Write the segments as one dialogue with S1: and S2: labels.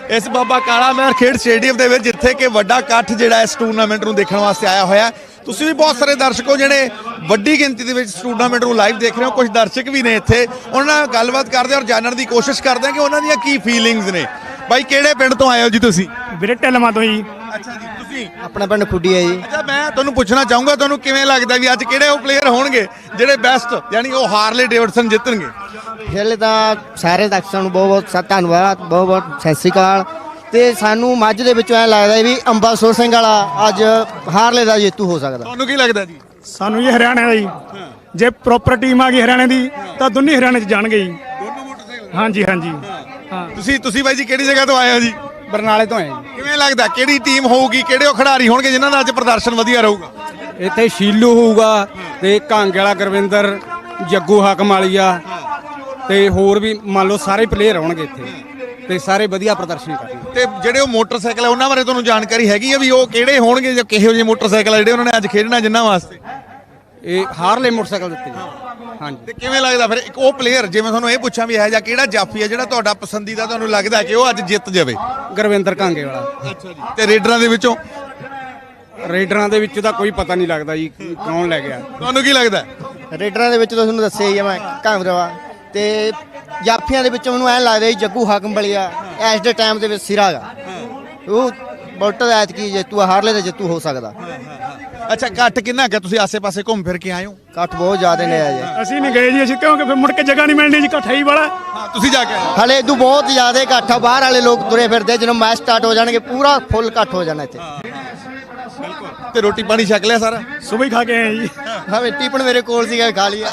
S1: इस बाबा काला महर खेड स्टेडियम ਦੇ ਵਿੱਚ ਜਿੱਥੇ ਕਿ ਵੱਡਾ ਇਕੱਠ ਜਿਹੜਾ ਇਸ ਟੂਰਨਾਮੈਂਟ ਨੂੰ ਦੇਖਣ ਵਾਸਤੇ ਆਇਆ ਹੋਇਆ। ਤੁਸੀਂ ਵੀ ਬਹੁਤ ਸਾਰੇ ਦਰਸ਼ਕੋ ਜਿਹੜੇ ਵੱਡੀ ਗਿਣਤੀ ਦੇ ਵਿੱਚ ਟੂਰਨਾਮੈਂਟ ਨੂੰ ਲਾਈਵ ਦੇਖ ਰਹੇ ਹੋ। ਕੁਝ ਦਰਸ਼ਕ ਵੀ ਨੇ ਇੱਥੇ, ਉਹਨਾਂ ਨਾਲ ਗੱਲਬਾਤ ਕਰਦੇ ਔਰ ਜਾਣਨ ਦੀ ਕੋਸ਼ਿਸ਼ ਕਰਦੇ ਹਾਂ ਕਿ ਉਹਨਾਂ ਦੀਆਂ ਕੀ ਫੀਲਿੰਗਸ ਨੇ। ਬਾਈ ਕਿਹੜੇ ਪਿੰਡ ਤੋਂ ਆਏ ਹੋ ਜੀ ਤੁਸੀਂ?
S2: ਵੀਰੇ ਢਿਲਵਾਂ ਤੋਂ ਜੀ।
S1: ਅੱਛਾ ਜੀ, ਤੁਸੀਂ?
S3: ਆਪਣਾ ਪਿੰਡ ਖੁੱਡੀ ਹੈ ਜੀ।
S1: ਅੱਛਾ, ਮੈਂ ਤੁਹਾਨੂੰ ਪੁੱਛਣਾ ਚਾਹੂੰਗਾ ਤੁਹਾਨੂੰ ਕਿਵੇਂ ਲੱਗਦਾ ਵੀ ਅੱਜ ਕਿਹੜੇ ਉਹ ਪਲੇਅਰ ਹੋਣਗੇ ਜਿਹੜੇ ਬੈਸਟ ਯਾਨੀ ਉਹ ਹਾਰਲੇ ਡੇਵਿਡਸਨ ਜਿੱਤਣਗੇ?
S3: ਪਹਿਲੇ ਤਾਂ ਸਾਰੇ ਦਰਸ਼ਕਾਂ ਨੂੰ ਬਹੁਤ ਬਹੁਤ ਧੰਨਵਾਦ, ਬਹੁਤ ਬਹੁਤ ਸਤਿ ਸ੍ਰੀ ਅਕਾਲ। ਤੇ ਸਾਨੂੰ ਮੱਝ ਦੇ ਵਿੱਚੋਂ ਐਂ ਲੱਗਦਾ ਵੀ ਅੰਬਾਸੁਰ ਸਿੰਘ ਵਾਲਾ ਅੱਜ ਹਾਰਲੇ ਦਾ ਜੇਤੂ ਹੋ ਸਕਦਾ।
S1: ਤੁਹਾਨੂੰ ਕੀ ਲੱਗਦਾ ਜੀ?
S2: ਸਾਨੂੰ ਜੀ ਹਰਿਆਣਾ ਦਾ ਜੀ, ਜੇ ਪ੍ਰੋਪਰ ਟੀਮ ਆ ਗਈ ਹਰਿਆਣੇ ਦੀ ਤਾਂ ਦੋਨੇ ਹਰਿਆਣੇ 'ਚ ਜਾਣਗੇ ਜੀ।
S1: ਦੋਨੋਂ ਮੋਟਰਸਾਈਕਲ?
S2: ਹਾਂਜੀ ਹਾਂਜੀ ਹਾਂ।
S1: ਤੁਸੀਂ ਬਾਈ ਜੀ ਕਿਹੜੀ ਜਗ੍ਹਾ ਤੋਂ ਆਏ ਹੋ ਜੀ?
S4: ਬਰਨਾਲੇ ਤੋਂ ਆਏ ਜੀ।
S1: ਕਿਵੇਂ ਲੱਗਦਾ ਕਿਹੜੀ ਟੀਮ ਹੋਊਗੀ, ਕਿਹੜੇ ਉਹ ਖਿਡਾਰੀ ਹੋਣਗੇ ਜਿਨ੍ਹਾਂ ਦਾ ਅੱਜ ਪ੍ਰਦਰਸ਼ਨ ਵਧੀਆ ਰਹੂਗਾ?
S4: ਇੱਥੇ ਸ਼ੀਲੂ ਹੋਊਗਾ ਤੇ ਕਾਂਗੇ ਵਾਲਾ ਗੁਰਵਿੰਦਰ, ਜੱਗੂ ਹਾਕਮ ਵਾਲੀਆ ਤੇ ਹੋਰ ਵੀ ਮੰਨ ਲਓ ਸਾਰੇ ਪਲੇਅਰ ਆਉਣਗੇ ਇੱਥੇ ਤੇ ਸਾਰੇ ਵਧੀਆ ਪ੍ਰਦਰਸ਼ਨ ਕਰਨਗੇ।
S1: ਤੇ ਜਿਹੜੇ ਉਹ ਮੋਟਰਸਾਈਕਲ ਆ ਉਹਨਾਂ ਬਾਰੇ ਤੁਹਾਨੂੰ ਜਾਣਕਾਰੀ ਹੈਗੀ ਆ ਵੀ ਉਹ ਕਿਹੜੇ ਹੋਣਗੇ ਜਾਂ ਕਿਹੋ ਜਿਹੇ ਮੋਟਰਸਾਈਕਲ ਆ ਜਿਹੜੇ ਉਹਨਾਂ ਨੇ ਅੱਜ ਖੇਡਣਾ ਜਿਨ੍ਹਾਂ ਵਾਸਤੇ?
S4: ਇਹ ਹਾਰਲੇ ਮੋਟਰਸਾਈਕਲ ਦਿੱਤੇ ਜੀ। ਹਾਂਜੀ।
S1: ਤੇ ਕਿਵੇਂ ਲੱਗਦਾ ਫਿਰ ਇੱਕ ਉਹ ਪਲੇਅਰ, ਜਿਵੇਂ ਤੁਹਾਨੂੰ ਇਹ ਪੁੱਛਾਂ ਵੀ ਇਹ ਜਾਂ ਕਿਹੜਾ ਜਾਫੀ ਆ ਜਿਹੜਾ ਤੁਹਾਡਾ ਪਸੰਦੀਦਾ ਤੁਹਾਨੂੰ ਲੱਗਦਾ ਕਿ ਉਹ ਅੱਜ ਜਿੱਤ ਜਾਵੇ?
S4: ਗੁਰਵਿੰਦਰ ਕਾਂਗੇ ਵਾਲਾ।
S1: ਅੱਛਾ ਜੀ। ਤੇ ਰੇਡਰਾਂ ਦੇ ਵਿੱਚੋਂ?
S4: ਰੇਡਰਾਂ ਦੇ ਵਿੱਚ ਤਾਂ ਕੋਈ ਪਤਾ ਨਹੀਂ ਲੱਗਦਾ ਜੀ ਕੌਣ ਲੈ ਗਿਆ।
S1: ਤੁਹਾਨੂੰ ਕੀ ਲੱਗਦਾ?
S3: ਰੇਡਰਾਂ ਦੇ ਵਿੱਚ ਤਾਂ ਤੁਹਾਨੂੰ ਦੱਸਿਆ ਹੀ ਆ ਮੈਂ ਕਾਂਗਰਵਾ। ਤੇ ਜਾਫੀਆਂ ਦੇ ਵਿੱਚ ਮੈਨੂੰ ਐਂ ਲੱਗਦਾ ਜੀ ਜੱਗੂ ਹਾਕਮ ਵਾਲੀਆ ਇਸ ਦੇ ਟਾਈਮ ਦੇ ਵਿੱਚ ਸਿਰਾ ਗਾ। ਉਹ ਬੋਲਟ ਐਤਕੀ ਜੇਤੂ ਹਾਰਲੇ ਦਾ ਜੇਤੂ ਹੋ ਸਕਦਾ।
S1: ਅੱਛਾ, ਇਕੱਠ ਕਿੰਨਾ ਕਿ ਤੁਸੀਂ ਆਸੇ-ਪਾਸੇ ਘੁੰਮ ਫਿਰ ਕੇ ਆਏ ਹੋ?
S3: ਇਕੱਠ ਬਹੁਤ ਜ਼ਿਆਦਾ ਨੇ ਆ ਜੀ।
S2: ਅਸੀਂ ਨਹੀਂ ਗਏ ਜੀ, ਅਸੀਂ ਕਿਉਂਕਿ ਫਿਰ ਮੁੜ ਕੇ ਜਗ੍ਹਾ ਨਹੀਂ ਮਿਲਣੀ ਜੀ, ਇਕੱਠਾ ਹੀ ਵਾਲਾ।
S1: ਹਾਂ, ਤੁਸੀਂ ਜਾ ਕੇ ਆਏ?
S3: ਹਲੇ ਇਦੋਂ ਬਹੁਤ ਜ਼ਿਆਦਾ ਇਕੱਠ ਆ। ਬਾਹਰ ਵਾਲੇ ਲੋਕ ਤੁਰੇ ਫਿਰਦੇ, ਜਦੋਂ ਮੈਚ ਸਟਾਰਟ ਹੋ ਜਾਣਗੇ ਪੂਰਾ ਫੁੱਲ ਇਕੱਠ ਹੋ ਜਾਣਾ ਇੱਥੇ।
S1: ਤੇ ਰੋਟੀ ਪਾਣੀ ਛਕ ਲਿਆ ਸਾਰਾ?
S2: ਸੁਬਹ ਹੀ ਖਾ ਕੇ ਆਏ ਜੀ।
S3: ਹਾਂ, ਟਿਫਨ ਮੇਰੇ ਕੋਲ ਸੀਗਾ, ਖਾ ਲਿਆ।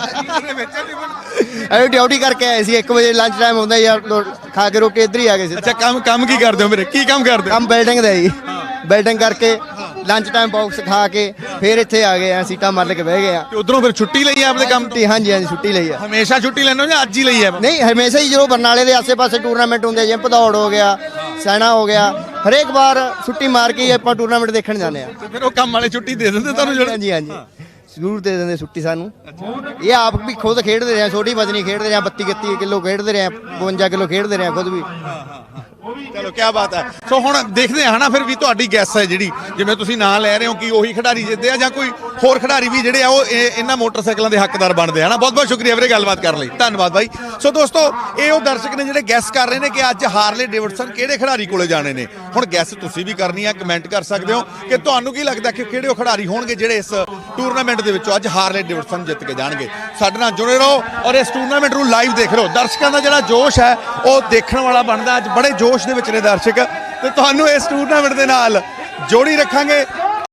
S3: ਅਸੀਂ ਡਿਊਟੀ ਕਰਕੇ ਆਏ ਸੀ 1 ਵਜੇ ਲੰਚ ਟਾਈਮ ਹੁੰਦਾ ਯਾਰ, ਖਾ ਕੇ ਰੋਟੀ ਇੱਧਰ ਹੀ ਆ ਗਏ ਸੀ।
S1: ਅੱਛਾ, ਕੰਮ ਕੀ ਕਰਦੇ ਹੋ ਮੇਰੇ? ਕੀ ਕੰਮ ਕਰਦੇ ਹੋ?
S3: ਕੰਮ ਬਿਲਡਿੰਗ ਦਾ ਜੀ। ਬਿਲਡਿੰਗ ਕਰਕੇ ਲੰਚ ਟਾਈਮ ਬਾਕਸ ਖਾ ਕੇ ਫਿਰ ਇੱਥੇ ਆ ਗਏ ਆ, ਸੀਟਾਂ ਮੱਲ ਕੇ ਬਹਿ ਗਏ ਆ।
S1: ਤੇ ਉਧਰੋਂ ਫਿਰ ਛੁੱਟੀ ਲਈ ਆ ਆਪਣੇ ਕੰਮ ਤੋਂ?
S3: ਹਾਂਜੀ ਹਾਂਜੀ, ਛੁੱਟੀ ਲਈ ਆ।
S1: ਹਮੇਸ਼ਾ ਛੁੱਟੀ ਲੈਂਦੇ ਹੋ ਜਾਂ ਅੱਜ ਹੀ ਲਈ ਆ?
S3: ਨਹੀਂ, ਹਮੇਸ਼ਾ ਹੀ ਜਦੋਂ ਬਰਨਾਲੇ ਦੇ ਆਸੇ-ਪਾਸੇ ਟੂਰਨਾਮੈਂਟ ਹੁੰਦੇ ਜਿਵੇਂ ਭਦੌੜ ਹੋ ਗਿਆ, ਸੈਣਾ ਹੋ ਗਿਆ, ਹਰੇਕ ਵਾਰ ਛੁੱਟੀ ਮਾਰ ਕੇ ਹੀ ਆਪਾਂ ਟੂਰਨਾਮੈਂਟ ਦੇਖਣ ਜਾਂਦੇ ਆ।
S1: ਤੇ ਫਿਰ ਉਹ ਕੰਮ ਵਾਲੇ ਛੁੱਟੀ ਦੇ ਦਿੰਦੇ ਤੁਹਾਨੂੰ?
S3: ਹਾਂਜੀ ਹਾਂਜੀ, ਜ਼ਰੂਰ ਦੇ ਦਿੰਦੇ ਛੁੱਟੀ ਸਾਨੂੰ। ਇਹ ਆਪ ਵੀ ਖੁਦ ਖੇਡਦੇ ਰਹੇ, ਛੋਟੀ ਵਜਨੀ ਖੇਡਦੇ ਰਹੇ, 32-31 ਕਿਲੋ ਖੇਡਦੇ ਰਹੇ, 52 ਕਿਲੋ ਖੇਡਦੇ ਰਹੇ ਖੁਦ ਵੀ।
S1: ਚਲੋ, ਕੀ ਬਾਤ ਹੈ। ਸੋ ਹੁਣ ਦੇਖਦੇ ਹਾਂ ਨਾ ਫਿਰ ਵੀ ਤੁਹਾਡੀ ਗੈਸ ਹੈ ਜਿਹੜੀ, ਜਿਵੇਂ ਤੁਸੀਂ ਨਾਂ ਲੈ ਰਹੇ ਹੋ ਕਿ ਉਹੀ ਖਿਡਾਰੀ ਜਿੱਤਦੇ ਆ ਜਾਂ ਕੋਈ ਹੋਰ ਖਿਡਾਰੀ ਵੀ ਜਿਹੜੇ ਆ ਉਹ ਇਹਨਾਂ ਮੋਟਰਸਾਈਕਲਾਂ ਦੇ ਹੱਕਦਾਰ ਬਣਦੇ ਆ ਨਾ। ਬਹੁਤ ਬਹੁਤ ਸ਼ੁਕਰੀਆ ਵੀਰੇ ਗੱਲਬਾਤ ਕਰਨ ਲਈ, ਧੰਨਵਾਦ ਬਾਈ। ਸੋ ਦੋਸਤੋ, ਇਹ ਉਹ ਦਰਸ਼ਕ ਨੇ ਜਿਹੜੇ ਗੈਸ ਕਰ ਰਹੇ ਨੇ ਕਿ ਅੱਜ ਹਾਰਲੇ ਡੇਵਿਡਸਨ ਕਿਹੜੇ ਖਿਡਾਰੀ ਕੋਲੇ ਜਾਣੇ ਨੇ। ਹੁਣ ਗੈਸ ਤੁਸੀਂ ਵੀ ਕਰਨੀ ਆ, ਕਮੈਂਟ ਕਰ ਸਕਦੇ ਹੋ ਕਿ ਤੁਹਾਨੂੰ ਕੀ ਲੱਗਦਾ ਕਿ ਕਿਹੜੇ ਉਹ ਖਿਡਾਰੀ ਹੋਣਗੇ ਜਿਹੜੇ ਇਸ ਟੂਰਨਾਮੈਂਟ ਦੇ ਵਿੱਚੋਂ ਅੱਜ ਹਾਰਲੇ ਡੇਵਿਡਸਨ ਜਿੱਤ ਕੇ ਜਾਣਗੇ। ਸਾਡੇ ਨਾਲ ਜੁੜੇ ਰਹੋ ਔਰ ਇਸ ਟੂਰਨਾਮੈਂਟ ਨੂੰ ਲਾਈਵ ਦੇਖ ਰਹੋ। ਦਰਸ਼ਕਾਂ ਦਾ ਜਿਹੜਾ ਜੋਸ਼ ਹੈ ਉਹ ਦੇਖਣ ਵਾਲਾ ਬਣਦਾ। ਅੱਜ ਬੜੇ ਜੋਸ਼ ਦੇ ਵਿੱਚ ਨੇ ਦਰਸ਼ਕ ਤੇ ਤੁਹਾਨੂੰ ਇਸ ਟੂਰਨਾਮੈਂਟ ਦੇ ਨਾਲ ਜੋੜੀ ਰੱਖਾਂਗੇ।